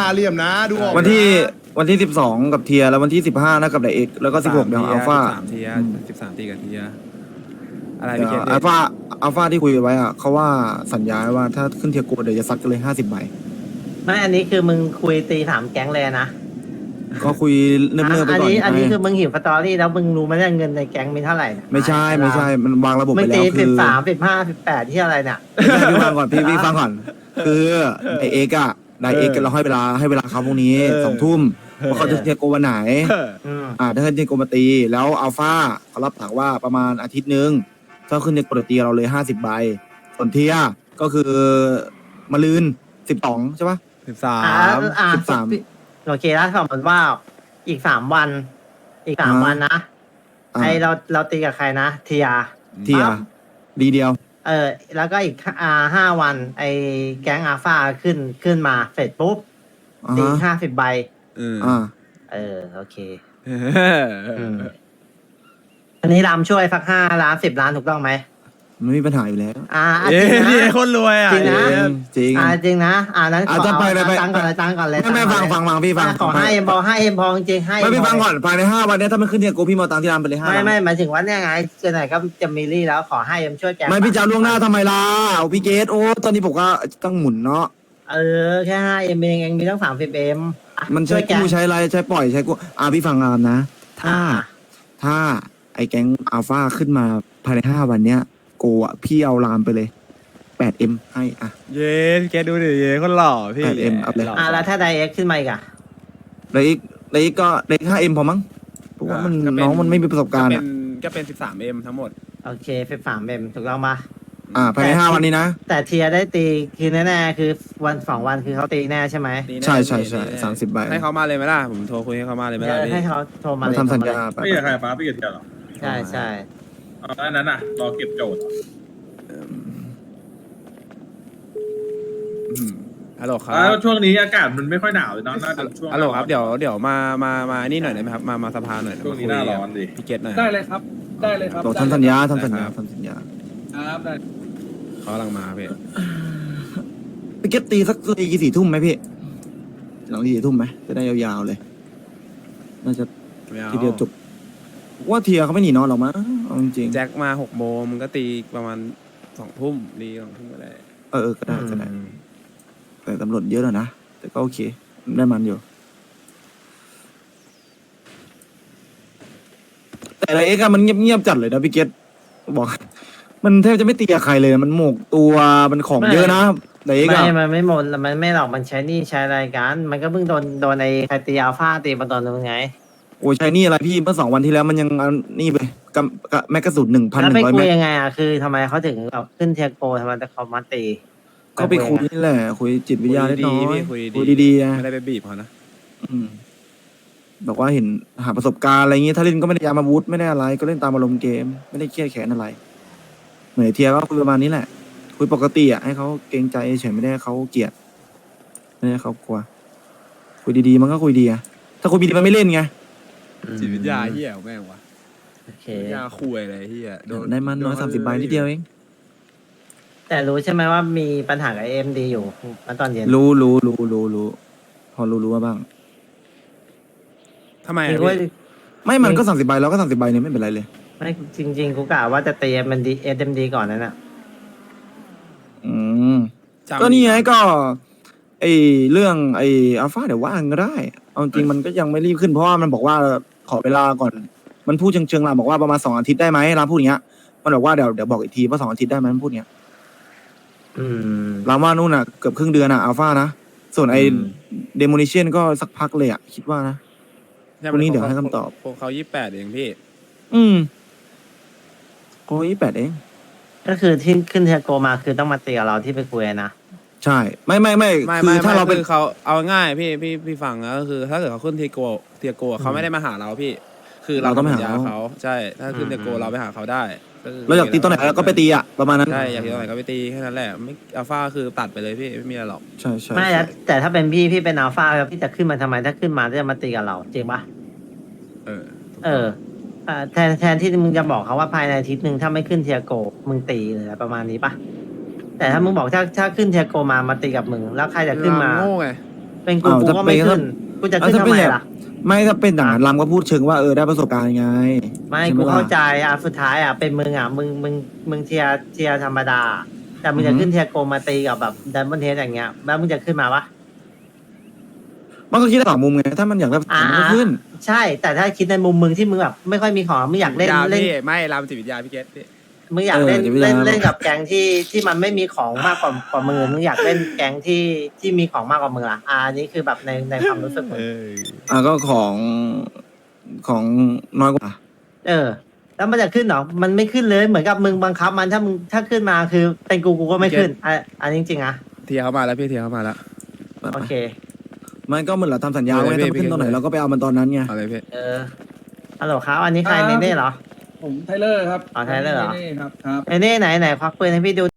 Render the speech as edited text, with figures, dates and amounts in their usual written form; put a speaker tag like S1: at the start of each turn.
S1: เหลี่ยมนะดูออก
S2: วันที่12กับเทียแล้ววันที่15นะกับไดเอ็กแล้วก็16เดี๋ยวอัลฟา
S3: 13 ที13 ตีกับเทียอะไรพี่เกต
S2: อัลฟาที่คุยไว้อะเขาว่าสัญญาว่าถ้าขึ้นเทียโกเดี๋ยวจะซัดกันเลย50 ใบ
S4: ไม่อันนี้คือมึงคุยตีถามแก๊งเลยนะ
S2: ก็คุยเนิ่มๆไปก่อน
S4: อันนี้คือมึงหิวสตอรี่แล้วมึงรู้ไหมเนี่ยเงินในแก๊งมีเท่าไหร่เนี่ย
S2: ไม่ใช่มันวางระบบ
S4: มึ
S2: ไป
S4: ง
S2: แล้
S4: ตี
S2: วคือ
S4: 13 15 18ที่อะไรเนี่ย
S2: พี่ฟังก่อนพี่ฟังก่อนคือไดเอ็กอะไดเอ็กเราให้เวลาเขาพรุ่งนี้2 ทุ่มว่าเขาจะเทียโกวันไหน ถ้าขึ้นเทียโกมาตีแล้วอัลฟาเขารับปากว่าประมาณอาทิตย์นึงถ้าขึ้นเทียโกตีเราเลย50 ใบส่วนเทียก็คือมะลืน12ใช่ปะ
S3: 13
S4: โอเคแล้วสมมติว่าอีก3 วันนะไอเราตีกับใครนะเทีย
S2: ดีเดียว
S4: แล้วก็อีก5 วันไอแก๊งอาฟาขึ้นมาเสร็จปุ๊บตี50 ใบโอเคอันนี้รำช่วยสัก5 ล้าน 10 ล้านถูกต้องไหม
S2: ไม่มีปัญหาอยู่แล้ว
S4: จริงนะ
S3: นี่คนรวยอ่ะ
S4: จริงนะ
S2: จริง
S4: จริงนะนั้นขอ
S2: จะไป
S4: ตังก่อนเลย
S2: ไม่ฟังพี่ฟัง
S4: ขอให้เอ็มพอจริงให้
S2: ไม่พี่ฟังก่อนภายใน5 วันนี้ถ้ามันขึ้นเทียโกพี่มาตังที่ร้านไปเลย5
S4: ไม่หมายถึงว่าเนี่ยไงจะไหนก็จะมีรี่แล้วขอให้เอ็มช่วยแก
S2: ไม่พี่จะล่วงหน้าทำไมล่ะเอาพี่เกตโอ้ตอนนี้ผมก็ต้องหมุนเนาะ
S4: แค่5 เอ็มเองมีตั้ง30 เอ็ม
S2: มันใช้กู้ใช้อะไรใช้ปล่อยใช้กู้พี่ฟังงานนะถ้าไอ้แก๊งอัลฟาขึ้นมาภายใน5 วันเนี้ยโกอ่ะพี่เอาลามไปเลย8M ให้
S3: เย้พี่เกตดูดิเย้คนหล่อพี่
S2: 8M อัพเลย
S4: แล้วถ้าไดเอ็กขึ้นมาอีกอะ
S2: เลยอีกก็เลย 5M พอมั้งเพราะว่ามันน้องมันไม่มีประสบการณ์อ่ะ
S3: ก็เป็น 13M ทั้งหมด
S4: โอเค13 เอ็มถูกต้องปะ
S2: ภายใน5 วันนี้นะ
S4: แต่เทียได้ตีคือแน่ๆคือวัน2 วันคือเขาตีแน่ใช่ไหม
S2: ใช่30 ใบ
S3: ให้เขามาเลยไหมล่ะผมโทรคุยให้เขามาเลยไหมล่ะพี่
S4: ให้เขาโทรมา
S2: มา
S4: เลย
S2: ทำสัญญาไป
S5: พี่กับใครฟ้าพี่กับเทียร์เหรอ
S4: ใช่
S5: อันนั้นน่ะรอเก็บโจทย์
S3: ฮัลโหลครับ
S5: ช่วงนี้อากาศมันไม่ค่อยหนาวเลยเนาะน่าจะช่วง
S3: ฮัลโหลครับเดี๋ยวมานี่หน่อยได้ไหมครับมาสภาหน่อย
S5: ช่วงนี้หน้าร้อนดิ
S3: พี่เกตหน่อย
S5: ได้เลยครับ
S2: บอกทำสัญญา
S5: ครับได้
S3: เขากำลังมาพี่
S2: พี่เกตตีสัก4 ทุ่มไหมพี่หลัง4 ทุ่มไหมจะได้ยาวๆเลยน่าจะทีเดียวจบว่าเทียเขาไม่หนีนอนหรอกมั้งเอาจริง
S3: แจ็คมา6 โมงมันก็ตีประมาณ2 ทุ่มดี2 ทุ่มก็ได้
S2: ก็ได้แต่ตำรวจเยอะแล้วนะแต่ก็โอเคได้มันอยู่แต่ไอ้เอ็กซ์มันเงียบๆจัดเลยนะพี่เกตบอกมันแทบจะไม่ตีกับใครเลยมันหมกตัวมันของเยอะนะไอ้เอ็กซ์
S4: มันไม่หมดมันไม่หรอกมันใช้นี่ใช้รายการมันก็เพิ่งโดนไอ้ใครตีอัลฟาตีมาตอนนึงไง
S2: โอ้ยใช่นี่อะไรพี่เมื่อ2 วันที่แล้วมันยังนี่ไปกับแม็กกาซูน1,100
S4: แล้วไปคุ
S2: เม
S4: ย
S2: ตร
S4: ยังไงคือทำไมเขาถึงแบบขึ้นเทียโกทำไมแต่เขามาตี
S2: ก็ไปคุยนี่แหละคุยจิตวิทยาเล็กน้อย
S3: คุย
S2: ดีๆ
S3: ไม่ได้ไปบีบเขานะ
S2: บอกว่าเห็นหาประสบการณ์อะไรอย่างงี้ถ้าเล่นก็ไม่ได้ยามาวุธไม่ได้อะไรก็เล่นตามอารมณ์เกมไม่ได้เครียดแค้นอะไรเหมือนเทียก็คุยประมาณนี้แหละคุยปกติให้เขาเกรงใจเฉยไม่ได้เขาเกลียดไม่ได้เขากลัวคุยดีๆมันก็คุยดีอะถ้าคุยดีๆมันไม่เล่นไง
S3: จิตวิทยาเฮียแม่งวะ
S4: โอเค
S3: ยาคุยอะไรเฮีย
S2: ได้มันน้อย30 ใบนิดเดียวเอง
S4: แต่รู้ใช่ไหมว่ามีปัญหากับเอ็มดีอยู่ตอนเย็น
S2: รู้พอรู้ว่าบ้าง
S3: ทำไม
S4: คือว่า
S2: ไม่มันก็30 ใบแล้วก็30 ใบเนี่ยไม่เป็นไรเลย
S4: ไม่จริงๆกูกะว่าจะตีเอ็มดีก่อนนั่นน่ะ
S2: ก็นี่ไงก็ไอเรื่องไออัลฟาเดี๋ยวว่างก็ได้เอาจริงมันก็ยังไม่รีบขึ้นเพราะว่ามันบอกว่าขอเวลาก่อนมันพูดเชิงๆล่ะบอกว่าประมาณ2 อาทิตย์ได้ไหมร้านพูดอย่างเงี้ยมันบอกว่าเดี๋ยวบอกอีกทีว่า2 อาทิตย์ได้ไหมมันพูดอย่างเงี้ยร้านว่านู่นน่ะเกือบครึ่งเดือนอัลฟานะส่วนไอเดโมนิเชียนก็สักพักเลยคิดว่านะวันนี้เดี๋ยวให้คำตอบ
S3: พวกเขา28เองพี่
S2: โอ้ย8เอง
S4: ก็คือที่ขึ้นเทียโกมาคือต้องมาตีกับเราที่ไปคุยนะ
S2: ใช่ไม่คือถ้าเราเป็น
S3: เขาเอาง่ายพี่ฟังนะก็คือถ้าเกิดเขาขึ้นเทียโกเขาไม่ได้มาหาเราพี่ คือเราต้องไปหาเขาใช่ถ้าขึ้นเทียโกเราไปหาเขาได้
S2: เราอยากตีตอนไหนเราก็ไปตีประมาณนั้น
S3: ใช่อยากตีตอนไหนก็ไปตีแค่นั้นแหละไม่อัลฟาคือตัดไปเลยพี่ไม่มีอะไรหรอก
S2: ใช่
S4: ไม่แล้วแต่ถ้าเป็นพี่เป็นอัลฟาแล้วพี่จะขึ้นมาทำไมถ้าขึ้นมาจะมาตีกับเราจริงปะแทนที่มึงจะบอกเขาว่าภายในอาทิตย์หนึ่งถ้าไม่ขึ้นเทียโกมึงตีเลยประมาณนี้ปะแต่ถ้ามึงบอกถ้าขึ้นเทียโกมาตีกับมึงแล้วใครจะขึ้นมา
S3: โง่ไง
S4: เป็นกู
S2: อ้าว
S4: กู
S2: ถ้า
S4: ก็ไม่
S2: เป็น
S4: ขึ้นกูจะขึ้น
S2: ถ้า
S4: ทำ
S2: เป็น
S4: ไม
S2: แบบ
S4: ล่ะ
S2: ไม่ถ้าเป็นอย่างนั้นลำก็พูดเชิงว่าได้ประสบการณ์ไง
S4: ไม่
S2: ใช่ห
S4: กู
S2: ล่ะ
S4: เข้าใจอ่ะสุดท้ายอ่ะเป็นมึงอ่ะมึงเทียร์ธรรมดา แต่มึงจะ
S2: อือฮึ
S4: ขึ้นเทียร์โกมาตีกับแบบดันบนเทสอย่างเงี้ยแล้วมึงจะขึ้นมาปะ
S2: มันก็คิดได้สองมุมไงถ้ามันอยากได้ประสบการณ์มันก็ขึ้น
S4: ใช่ แต่ถ้าคิดในมุมมึงที่มึงแบบไม่ค่อยมีของมึงอยากเล่น
S3: จิตวิทย
S4: เล่น
S3: พี่ไม่รามจิตวิทยาพี่เกตพี่
S4: มึงอยากเล่น
S2: จิตวิทยา
S4: เล่นกับแก๊งที่มันไม่มีของมากกว่ามึงมึงอยากเล่นแก๊งที่มีของมากกว่ามึงอ่ะอันนี้คือแบบในความรู้สึกมึง
S2: ก็ของน้อยกว่า
S4: แล้วมันจะขึ้นเหรอมันไม่ขึ้นเลยเหมือนกับมึงบังคับมันถ้าขึ้นมาคือเป็นกูก็ไม่ขึ้นอันนี้จริงๆอ่ะ
S3: เทียเขามาแล้วพี่เทียเขามาแล้ว
S4: โอเค
S2: มันก็เหมือนเราทำสัญญา
S3: เอา
S2: ไว้
S3: เลย
S2: ถ้ามันขึ้น
S3: พี่
S2: ตอนไหนเราก็ไปเอามันตอนนั้นไง
S3: อะไรพี่
S4: ฮัลโหลครับอันนี้ใครเนเน่เหรอ
S1: ผมไทเลอร์ครับ
S4: อ๋อไทเลอร์เหรอ
S1: นี่ครับครับ
S4: เนเน่ไหนควักปืนให้พี่ดู